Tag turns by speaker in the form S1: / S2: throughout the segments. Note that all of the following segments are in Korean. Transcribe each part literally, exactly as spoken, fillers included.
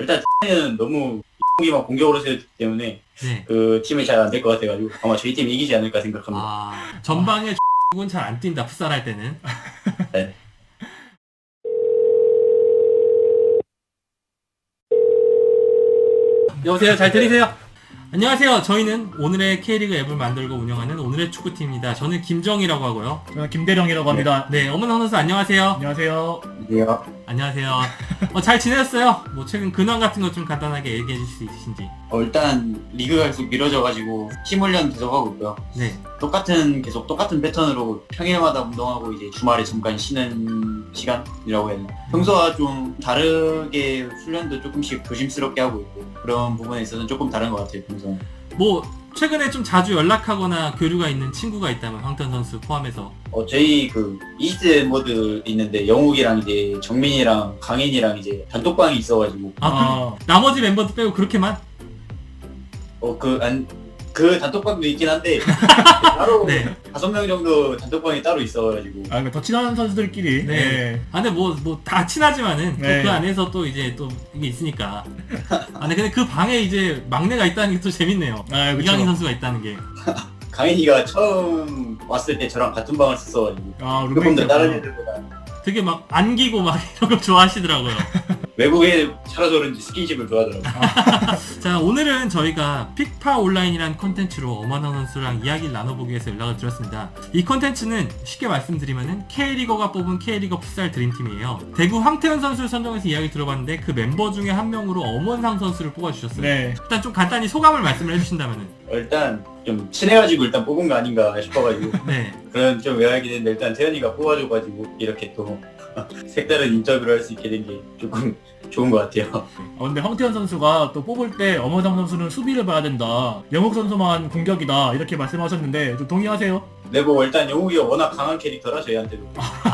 S1: 일단 는 너무 기만 공격으로 세웠기 때문에
S2: 네.
S1: 그 팀이 잘 안 될 것 같아가지고 아마 저희 팀이 이기지 않을까 생각합니다.
S2: 아, 전방에 은 잘 안 뛴다, 풋살 할 때는.
S1: 네.
S2: 여보세요, 잘 들리세요? 안녕하세요. 저희는 오늘의 K리그 앱을 만들고 운영하는 오늘의 축구팀입니다. 저는 김정이라고 하고요.
S3: 저는 김대령이라고 합니다.
S2: 네, 어머나 선수 안녕하세요.
S3: 안녕하세요.
S1: 이게요.
S2: 안녕하세요. 어, 잘 지내셨어요? 뭐 최근 근황 같은 거 좀 간단하게 얘기해 주실 수 있으신지.
S1: 어, 일단 리그가 계속 미뤄져가지고 팀 훈련 계속 하고 있고요.
S2: 네.
S1: 똑같은 계속 똑같은 패턴으로 평일마다 운동하고 이제 주말에 잠깐 쉬는 시간이라고 해야 되나. 평소와 좀 다르게 훈련도 조금씩 조심스럽게 하고 있고 그런 부분에 있어서는 조금 다른 것 같아요. 평소는.
S2: 뭐 최근에 좀 자주 연락하거나 교류가 있는 친구가 있다면 황턴 선수 포함해서.
S1: 어, 저희 그 이십 대 멤버들 있는데 영욱이랑 이제 정민이랑 강인이랑 이제 단톡방이 있어가지고
S2: 아,
S3: 아,
S2: 그, 나머지 멤버들 빼고 그렇게만?
S1: 어 그 안 그 단톡방도 있긴 한데 따로
S2: 네.
S1: 다섯 명 정도 단톡방이 따로 있어가지고
S3: 아, 그러니까 더 친한 선수들끼리.
S2: 네.
S3: 네.
S2: 아, 근데 뭐, 뭐, 다 친하지만은, 또
S3: 네.
S2: 그 안에서 또 이제 또 이게 있으니까. 아, 근데, 근데 그 방에 이제 막내가 있다는 게 또 재밌네요.
S3: 아, 그쵸.
S2: 이강인 선수가 있다는 게.
S1: 강인이가 처음 왔을 때 저랑 같은 방을 썼어가지고
S3: 아,
S1: 조금 더
S3: 룸메이트.
S1: 다른 애들보다
S2: 되게 막 안기고 막 이런 거 좋아하시더라고요.
S1: 외국에 살아서 그런지 스킨십을 좋아하더라고요.
S2: 자, 오늘은 저희가 픽파 온라인이라는 콘텐츠로 어마나 선수랑 이야기를 나눠보기 위해서 연락을 드렸습니다. 이 콘텐츠는 쉽게 말씀드리면은 K리거가 뽑은 K리거 풋살 드림팀이에요. 대구 황태현 선수를 선정해서 이야기 들어봤는데 그 멤버 중에 한 명으로 엄원상 선수를 뽑아주셨어요.
S3: 네.
S2: 일단 좀 간단히 소감을 말씀을 해주신다면은.
S1: 어, 일단 좀 친해가지고 일단 뽑은 거 아닌가 싶어가지고
S2: 네.
S1: 그런 좀 외하게 됐는데 일단 태현이가 뽑아줘가지고 이렇게 또 색다른 인터뷰를 할 수 있게 된 게 조금 좋은 것 같아요.
S3: 아, 근데 황태현 선수가 또 뽑을 때 엄호상 선수는 수비를 봐야 된다. 영욱 선수만 공격이다. 이렇게 말씀하셨는데 좀 동의하세요?
S1: 네, 뭐 일단 영욱이가 워낙 강한 캐릭터라 저희한테도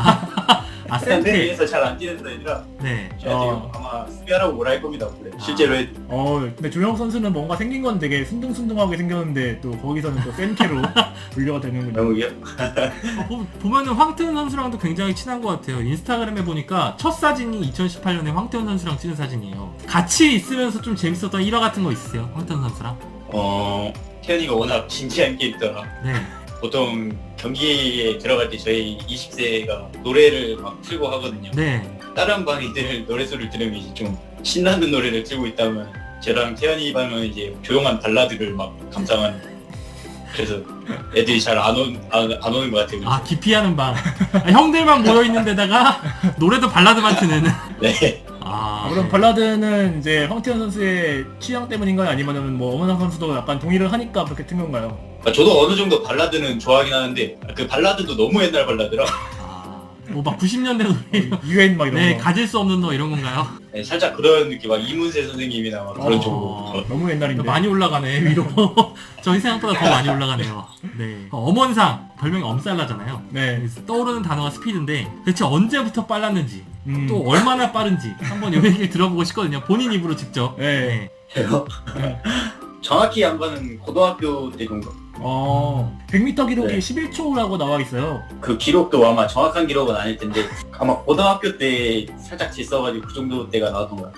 S2: 아,
S1: 일단 내
S2: 센트.
S1: 위에서 잘 안 뛰는 애들이라
S2: 네.
S1: 저희한테
S3: 어.
S1: 아마 수비하라고 뭐라 할 겁니다. 원래. 실제로 해.
S3: 어, 근데 조영 선수는 뭔가 생긴 건 되게 순둥순둥하게 생겼는데 또 거기서는 또 센캐로 분류가 되는군요.
S1: 영욱이요?
S2: 어, 보, 보면은 황태현 선수랑도 굉장히 친한 것 같아요. 인스타그램에 보니까 첫 사진이 이천십팔 년에 황태현 선수랑 찍은 사진이에요. 같이 있으면서 좀 재밌었던 일화 같은 거 있으세요? 황태현 선수랑?
S1: 어 태현이가 워낙 진지한 캐릭터라
S2: 네.
S1: 보통 경기에 들어갈 때 저희 이십 세가 노래를 막 틀고 하거든요.
S2: 네.
S1: 다른 방 애들 노래소리를 들으면 이제 좀 신나는 노래를 틀고 있다면 저랑 태현이 방은 이제 조용한 발라드를 막 감상하는 그래서 애들이 잘 안 안 안 오는 것 같아요.
S2: 아, 기피하는 방. 아, 형들만 모여있는 데다가 노래도 발라드만 트는.
S1: 네.
S2: 아,
S3: 아, 그럼
S2: 네.
S3: 발라드는 이제 황태현 선수의 취향 때문인가요? 아니면은 뭐 엄호상 선수도 약간 동의를 하니까 그렇게 튼 건가요?
S1: 아, 저도 어느 정도 발라드는 좋아하긴 하는데 그 발라드도 너무 옛날 발라드라
S2: 아, 뭐 막 구십 년대 노래.
S3: 유엔 막 이런
S2: 네,
S3: 거.
S2: 가질 수 없는 너 이런 건가요?
S1: 네, 살짝 그런 느낌 막 이문세 선생님이나 막 그런
S3: 어.
S1: 쪽으로
S3: 어, 너무 옛날인데.
S2: 많이 올라가네, 위로. 저희 생각보다 더 많이 올라가네요. 네. 엄원상, 별명이 엄살라잖아요.
S3: 네.
S2: 그래서 떠오르는 단어가 스피드인데 대체 언제부터 빨랐는지
S3: 음.
S2: 또 얼마나 빠른지 한번 이 얘기를 들어보고 싶거든요. 본인 입으로 직접.
S3: 네.
S1: 해요.
S3: 네.
S1: 정확히 한 거는 고등학교 때 정도.
S3: 어, 백 미터 기록이
S1: 네.
S3: 십일 초라고 나와 있어요.
S1: 그 기록도 아마 정확한 기록은 아닐 텐데 아마 고등학교 때 살짝 질서가지고 그 정도 때가 나왔던 거야.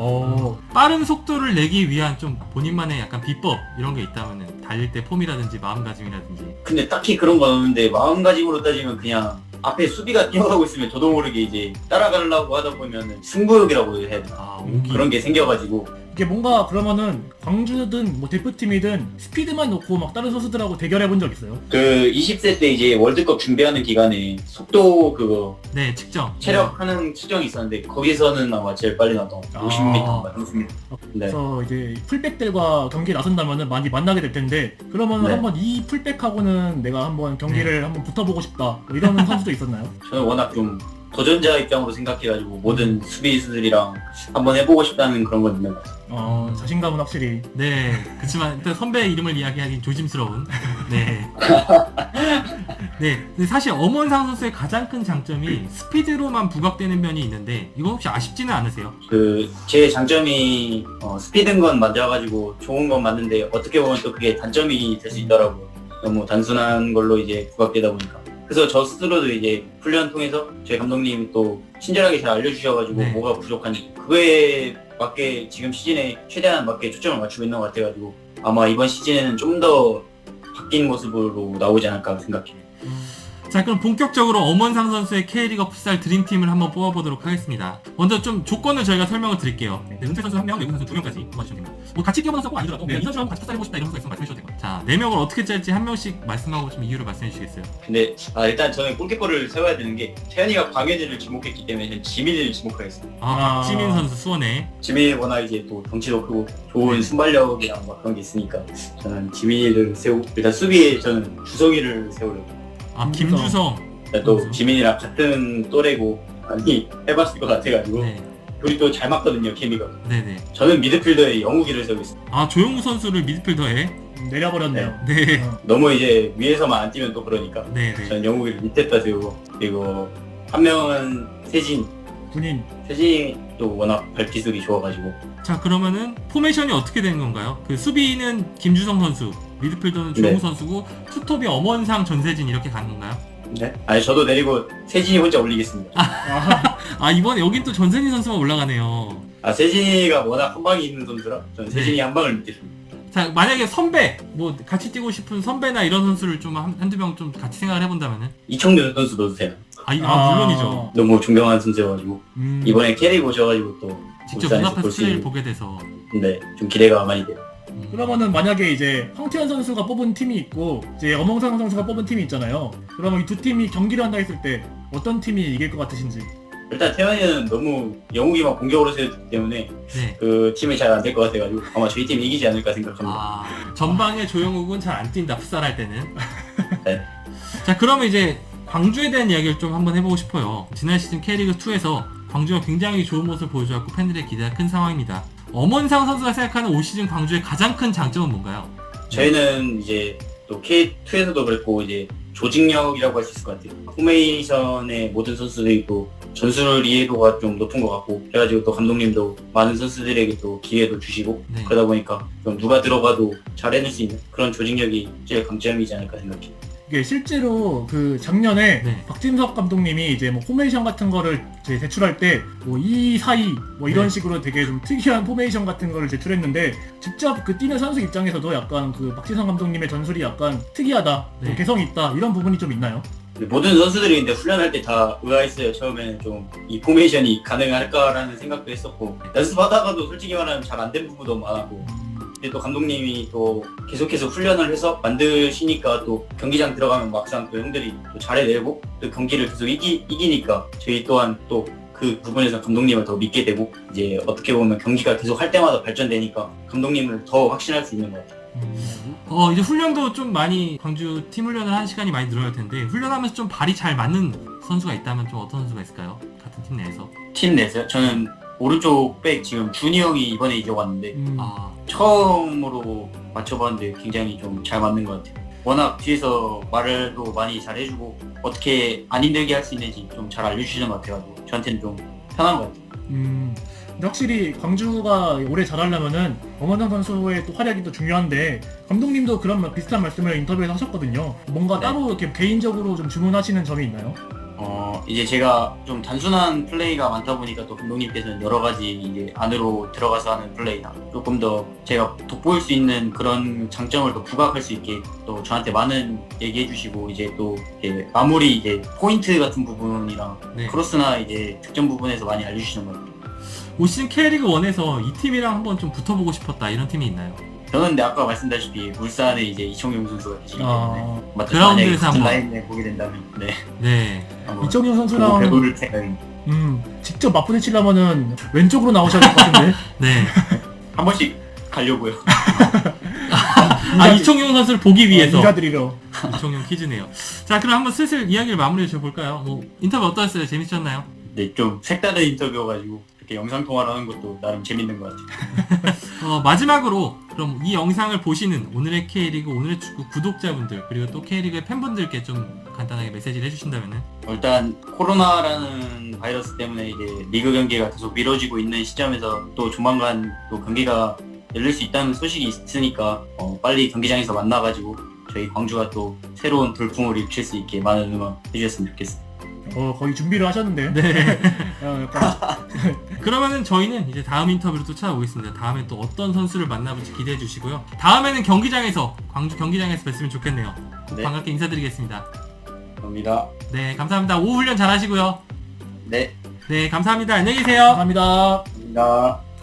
S3: 어,
S2: 빠른 속도를 내기 위한 좀 본인만의 약간 비법 이런 게 있다면은 달릴 때 폼이라든지 마음가짐이라든지.
S1: 근데 딱히 그런 건 없는데 마음가짐으로 따지면 그냥 앞에 수비가 뛰어가고 있으면 저도 모르게 이제 따라가려고 하다 보면 승부욕이라고 해야 되나
S2: 아, 오기.
S1: 그런 게 생겨가지고
S3: 이게 뭔가 그러면은 광주든 뭐 대표팀이든 스피드만 놓고 막 다른 선수들하고 대결해 본 적 있어요?
S1: 그 이십 세 때 이제 월드컵 준비하는 기간에 속도 그거
S2: 네, 측정.
S1: 체력하는 측정이 있었는데 거기서는 아마 제일 빨리 나왔던 것 같아요.
S3: 아.
S1: 오십 미터, 삼십 미터. 네.
S3: 그래서 이제 풀백들과 경기에 나선다면은 많이 만나게 될 텐데 그러면
S1: 네.
S3: 한번 이 풀백하고는 내가 한번 경기를 한번 붙어보고 싶다 뭐 이런 선수도 있었나요?
S1: 저는 워낙 좀 도전자 입장으로 생각해가지고 모든 수비수들이랑 한번 해보고 싶다는 그런 건 있는 것 같아요.
S3: 어, 자신감은 확실히.
S2: 네, 그렇지만 일단 선배 이름을 이야기하기 조심스러운. 네. 네. 근데 사실 엄원상 선수의 가장 큰 장점이 스피드로만 부각되는 면이 있는데 이건 혹시 아쉽지는 않으세요?
S1: 그 제 장점이 어, 스피드인 건 맞아가지고 좋은 건 맞는데 어떻게 보면 또 그게 단점이 될 수 있더라고요. 너무 단순한 걸로 이제 부각되다 보니까. 그래서 저 스스로도 이제 훈련 통해서 저희 감독님이 또 친절하게 잘 알려주셔가지고
S2: 네.
S1: 뭐가 부족한지 그거에 맞게 지금 시즌에 최대한 맞게 초점을 맞추고 있는 것 같아가지고 아마 이번 시즌에는 좀 더 바뀐 모습으로 나오지 않을까 생각해요.
S2: 자, 그럼 본격적으로 엄원상 선수의 K리거 풋살 드림팀을 한번 뽑아보도록 하겠습니다. 먼저 좀 조건을 저희가 설명을 드릴게요. 네, 은퇴 선수 한 명, 외국 선수 두 명까지 뽑아주시면 됩니다. 뭐 같이 뛰어보는 선수가 아니더라도 네, 이 선수랑 같이 풋살해보고 싶다 이런 선수가 있으면 말씀해주셔도 되고. 자, 네 명을 어떻게 짤지 한 명씩 말씀하고 좀 이유를 말씀해 주시겠어요?
S1: 근데 아, 일단 저는 골키퍼를 세워야 되는 게 태현이가 광현이를 지목했기 때문에 저는 지민이를 지목하겠습니다.
S2: 아,
S3: 아.
S2: 박지민 선수 수원에.
S1: 지민이 워낙 이제 또 덩치도 크고 좋은 순발력이랑 막 그런 게 있으니까 저는 지민이를 세우고 일단 수비에 저는 주성이를 세우려고.
S2: 아, 김주성.
S1: 또
S2: 선수.
S1: 지민이랑 같은 또래고 많이 해봤을 것 같아가지고
S2: 네,
S1: 둘이 또 잘 맞거든요 케미가.
S2: 네네.
S1: 저는 미드필더에 영욱이를 세우겠습니다.
S2: 아, 조용우 선수를 미드필더에.
S3: 음, 내려버렸네요.
S2: 네,
S3: 어.
S1: 너무 이제 위에서만 안 뛰면 또 그러니까
S2: 네네.
S1: 저는 영욱이를 밑에다 세우고 그리고 한 명은 세진.
S3: 군인.
S1: 세진이 또 워낙 발기술이 좋아가지고
S2: 자, 그러면은 포메이션이 어떻게 되는 건가요? 그 수비는 김주성 선수, 미드필더는 조용우
S1: 네.
S2: 선수고 투톱이 엄원상 전세진 이렇게 가는 건가요?
S1: 네? 아니 저도 내리고 세진이 혼자 올리겠습니다.
S3: 아,
S2: 아, 이번에 여긴 또 전세진 선수가 올라가네요.
S1: 아 세진이가 워낙 한 방이 있는 선수라 저는
S2: 네.
S1: 세진이 한 방을 믿겠습니다.
S2: 자, 만약에 선배, 뭐 같이 뛰고 싶은 선배나 이런 선수를 좀 한, 한두 명 좀 같이 생각을 해본다면은?
S1: 이청준 선수 넣으세요.
S2: 아, 이- 아,
S3: 아.
S2: 물론이죠.
S1: 너무 존경하는 선수여가지고
S3: 음.
S1: 이번에 캐릭 오셔가지고 또
S2: 직접
S1: 울산에서
S2: 눈앞에서
S1: 볼 수
S2: 플레이를
S1: 있는
S2: 보게 돼서.
S1: 근데 좀 기대가 많이 돼요.
S2: 음.
S3: 그러면은 만약에 이제 황태현 선수가 뽑은 팀이 있고 이제 엄원상 선수가 뽑은 팀이 있잖아요. 그러면 이 두 팀이 경기를 한다 했을 때 어떤 팀이 이길 것 같으신지.
S1: 일단 태현이는 너무 영욱이만 공격으로 세웠기 때문에
S2: 네.
S1: 그 팀이 잘 안 될 것 같아가지고 아마 저희 팀이 이기지 않을까 생각합니다.
S2: 아, 전방에 조영욱은 잘 안 뛴다, 풋살할 때는.
S1: 네.
S2: 자, 그러면 이제 광주에 대한 이야기를 좀 한번 해보고 싶어요. 지난 시즌 K리그이에서 광주가 굉장히 좋은 모습을 보여줘갖고 팬들의 기대가 큰 상황입니다. 엄원상 선수가 생각하는 올 시즌 광주의 가장 큰 장점은 뭔가요?
S1: 저희는 이제 또 케이투에서도 그랬고 이제 조직력이라고 할 수 있을 것 같아요. 포메이션의 모든 선수들이 또 전술 이해도가 좀 높은 것 같고 그래가지고 또 감독님도 많은 선수들에게 또 기회도 주시고
S2: 네.
S1: 그러다 보니까 좀 누가 들어가도 잘 해낼 수 있는 그런 조직력이 제일 강점이지 않을까 생각해요.
S3: 이게 실제로 그 작년에
S2: 네.
S3: 박진석 감독님이 이제 뭐 포메이션 같은 거를 이제 제출할 때 뭐 이 사이 뭐 이런
S2: 네.
S3: 식으로 되게 좀 특이한 포메이션 같은 거를 제출했는데 직접 그 뛰는 선수 입장에서도 약간 그 박진석 감독님의 전술이 약간 특이하다,
S2: 네.
S3: 뭐 개성이 있다 이런 부분이 좀 있나요?
S1: 근데 모든 선수들이 근데 훈련할 때 다 의아했어요. 처음에는 좀 이 포메이션이 가능할까라는 생각도 했었고 연습하다가도 솔직히 말하면 잘 안 된 부분도 많았고 근데 또 감독님이 또 계속해서 훈련을 해서 만드시니까 또 경기장 들어가면 막상 또 형들이 또 잘해내고 또 경기를 계속 이기, 이기니까 저희 또한 또 그 부분에서 감독님을 더 믿게 되고 이제 어떻게 보면 경기가 계속 할 때마다 발전되니까 감독님을 더 확신할 수 있는 것 같아요.
S2: 어, 이제 훈련도 좀 많이 광주 팀 훈련을 한 시간이 많이 늘어날 텐데 훈련하면서 좀 발이 잘 맞는 선수가 있다면 좀 어떤 선수가 있을까요? 같은 팀 내에서.
S1: 팀 내에서요? 저는 오른쪽 백 지금 준이 형이 이번에 이제 왔는데
S3: 음.
S2: 아,
S1: 처음으로 맞춰봤는데 굉장히 좀 잘 맞는 것 같아요. 워낙 뒤에서 말도 많이 잘 해주고 어떻게 안 힘들게 할 수 있는지 좀 잘 알려주시는 것 같아가지고 저한테는 좀 편한 것 같아요.
S3: 음, 근데 확실히 광주가 올해 잘하려면은 엄원상 선수의 또 활약이 또 중요한데 감독님도 그런 말- 비슷한 말씀을 인터뷰에서 하셨거든요. 뭔가
S1: 네.
S3: 따로 이렇게 개인적으로 좀 주문하시는 점이 있나요?
S1: 어 이제 제가 좀 단순한 플레이가 많다 보니까 또 감독님께서는 여러 가지 이제 안으로 들어가서 하는 플레이나 조금 더 제가 돋보일 수 있는 그런 장점을 더 부각할 수 있게 또 저한테 많은 얘기해 주시고 이제 또 이제 마무리 이제 포인트 같은 부분이랑
S2: 네.
S1: 크로스나 이제 득점 부분에서 많이 알려주시는 것 같아요.
S2: 올 시즌 K리그일에서 이 팀이랑 한번 좀 붙어보고 싶었다 이런 팀이 있나요?
S1: 저는 근데 아까 말씀드렸다시피 울산에 이제 이청용 선수가 계시기 때문에
S3: 아,
S1: 맞죠?
S2: 그라운드에서
S1: 만약에 같은
S2: 한번.
S1: 라인에 보게 된다면 네
S2: 네.
S1: 한번
S3: 이정현
S1: 보고
S3: 선수랑
S1: 배울 생각입니다.
S3: 음, 직접 맞부딪히려면은 왼쪽으로 나오셔야 될 것 같은데.
S2: 네.
S1: 한 번씩 가려고요.
S2: 아, 이청용 선수를 보기 위해서.
S3: 어, 인사드리러.
S2: 이청용 퀴즈네요. 자, 그럼 한번 슬슬 이야기를 마무리해 줘볼까요? 뭐 인터뷰 어떠셨어요? 재밌었나요?
S1: 네, 좀 색다른 인터뷰여가지고 이렇게 영상 통화를 하는 것도 나름 재밌는 것 같아요.
S2: 어, 마지막으로 그럼 이 영상을 보시는 오늘의 K리그, 오늘의 축구 구독자분들 그리고 또 K리그의 팬분들께 좀 간단하게 메시지를 해주신다면은.
S1: 일단 코로나라는 바이러스 때문에 이제 리그 경기가 계속 미뤄지고 있는 시점에서 또 조만간 또 경기가 열릴 수 있다는 소식이 있으니까 어, 빨리 경기장에서 만나가지고 저희 광주가 또 새로운 돌풍을 일으킬 수 있게 많은 응원 해주셨으면 좋겠습니다.
S3: 어, 거의 준비를 하셨는데.
S2: 네.
S3: 어, 약간
S2: 그러면은 저희는 이제 다음 인터뷰로 또 찾아오겠습니다. 다음에 또 어떤 선수를 만나볼지 기대해 주시고요. 다음에는 경기장에서, 광주 경기장에서 뵀으면 좋겠네요.
S1: 네.
S2: 반갑게 인사드리겠습니다.
S1: 감사합니다.
S2: 네, 감사합니다. 오후 훈련 잘 하시고요.
S1: 네,
S2: 네, 감사합니다. 안녕히 계세요.
S3: 감사합니다.
S1: 감사합니다.